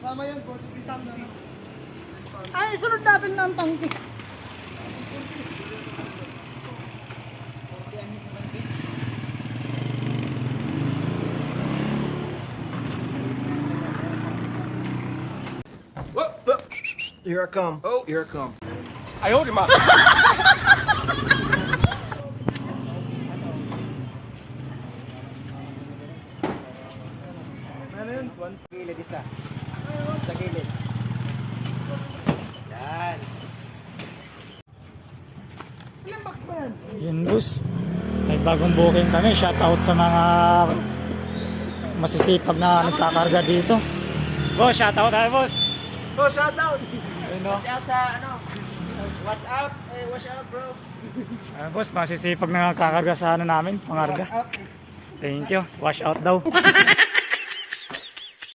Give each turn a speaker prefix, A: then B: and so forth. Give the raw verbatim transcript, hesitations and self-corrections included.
A: Sama yun, forty pieces na no?
B: Ay, sunod natin na ang tangke.
A: Here I come. Oh, here I come.
C: I hold him up.
A: Ano yun? One gilid isa. Sa gilid. Yan.
B: Ilang box ba yan?
D: Yun boss, may bagong booking kami. Shout out sa mga masisipag na nagkakarga dito. Boss, shout out tayo boss.
A: Oh, shout out!
D: Ayun no.
A: Watch out sa ano? Watch out! Eh, watch out bro!
D: Ayun boss, masisipag na nagkakarga sa ano namin, pangarga.
A: Watch out!
D: Thank you. Wash out daw.